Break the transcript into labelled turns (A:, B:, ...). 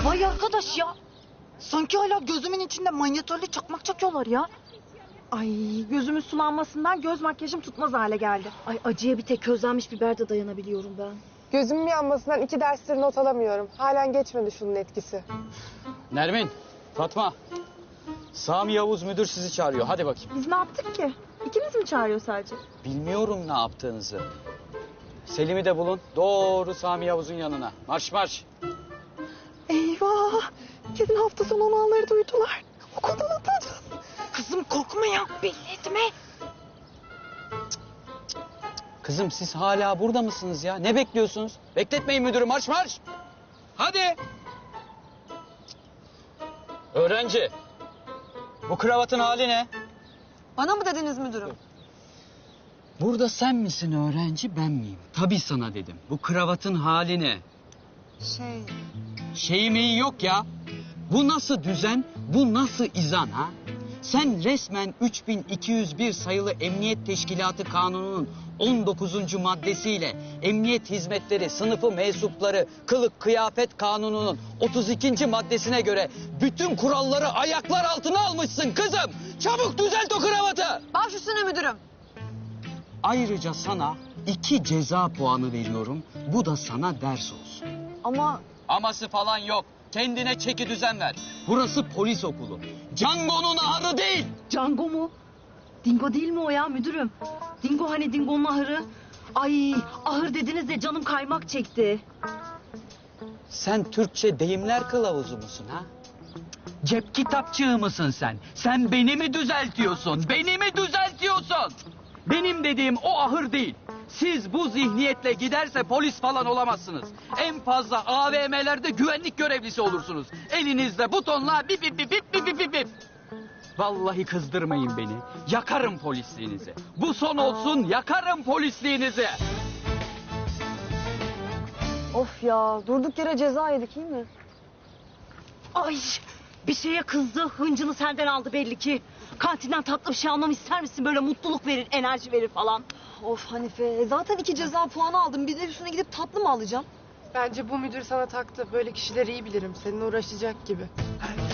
A: Vay arkadaş ya. Sanki hala gözümün içinde manyetörlü çakmak çakıyorlar ya.
B: Ay gözümün sulanmasından göz makyajım tutmaz hale geldi.
A: Ay acıya bir tek közlenmiş biber de dayanabiliyorum ben.
C: Gözümün yanmasından 2 derstir not alamıyorum. Halen geçmedi şunun etkisi.
D: Nermin, Fatma. Sami Yavuz müdür sizi çağırıyor. Hadi bakayım.
B: Biz ne yaptık ki? İkimiz mi çağırıyor sadece?
D: Bilmiyorum ne yaptığınızı. Selim'i de bulun. Doğru Sami Yavuz'un yanına. Marş marş.
C: Eyvah! Kesin hafta sonu olanları duydular. Okuldan atacağız.
A: Kızım korkma ya. Belli etme.
D: Kızım siz hala burada mısınız ya? Ne bekliyorsunuz? Bekletmeyin müdürü. Marş marş. Hadi. Öğrenci. Bu kravatın hali ne?
A: Bana mı dediniz müdürüm?
D: Burada sen misin öğrenci, ben miyim? Tabii sana dedim. Bu kravatın hali ne? Şeyi meyi yok ya. Bu nasıl düzen, bu nasıl izan ha? Sen resmen 3201 sayılı Emniyet Teşkilatı Kanunu'nun 19. maddesiyle Emniyet Hizmetleri Sınıfı Mensupları Kılık Kıyafet Kanunu'nun 32. maddesine göre bütün kuralları ayaklar altına almışsın kızım. Çabuk düzelt o kravatı.
A: Baş üstüne müdürüm.
D: Ayrıca sana 2 ceza puanı veriyorum. Bu da sana ders olsun.
A: Ama
D: Aması falan yok. Kendine çeki düzen ver. Burası polis okulu. Django'nun ahırı değil.
B: Django mu? Dingo değil mi o ya müdürüm? Dingo hani Dingo'nun ahırı. Ay ahır dediniz de canım kaymak çekti.
D: Sen Türkçe deyimler kılavuzu musun ha? Cep kitapçığı mısın sen? Sen beni mi düzeltiyorsun? Beni mi düzeltiyorsun? Benim dediğim o ahır değil. Siz bu zihniyetle giderse polis falan olamazsınız. En fazla AVM'lerde güvenlik görevlisi olursunuz. Elinizde butonla bip bip bip bip bip bip bip. Vallahi kızdırmayın beni. Yakarım polisliğinizi. Bu son olsun, yakarım polisliğinizi.
A: of ya durduk yere ceza yedik iyi mi?
B: Ay bir şeye kızdı hıncını senden aldı belli ki. Kantinden tatlı bir şey almamı ister misin? Böyle mutluluk verir, enerji verir falan.
A: Of Hanife zaten 2 ceza puanı aldım. Bir de üstüne gidip tatlı mı alacağım?
C: Bence bu müdür sana taktı. Böyle kişileri iyi bilirim. Seninle uğraşacak gibi.